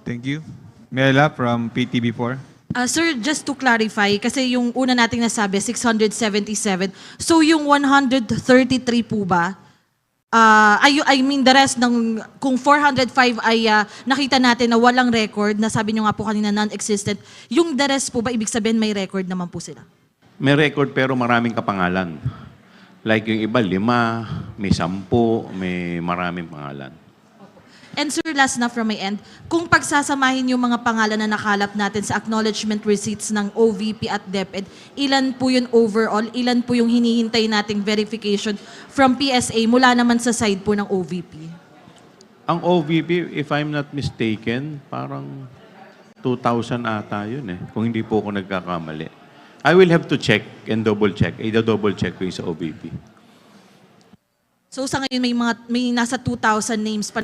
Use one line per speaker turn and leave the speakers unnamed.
Thank you. Mela from PTB4.
Sir, just to clarify, kasi yung una nating nasabi, 677. So yung 133 po ba, I mean the rest ng, kung 405 ay nakita natin na walang record, na sabi nyo nga po kanina non-existent, yung the rest po ba, ibig sabihin may record naman po sila?
May record pero maraming kapangalan. Like yung iba, 5, may 10, may maraming pangalan.
And sir, last na from my end, kung pagsasamahin yung mga pangalan na nakalap natin sa acknowledgement receipts ng OVP at DepEd, ilan po yun overall? Ilan po yung hinihintay nating verification from PSA mula naman sa side po ng OVP?
Ang OVP, if I'm not mistaken, parang 2,000 ata yun eh, kung hindi po ako nagkakamali. I will have to check and double check. I-double check ko yung sa OVP.
So sa ngayon may nasa 2,000 names pa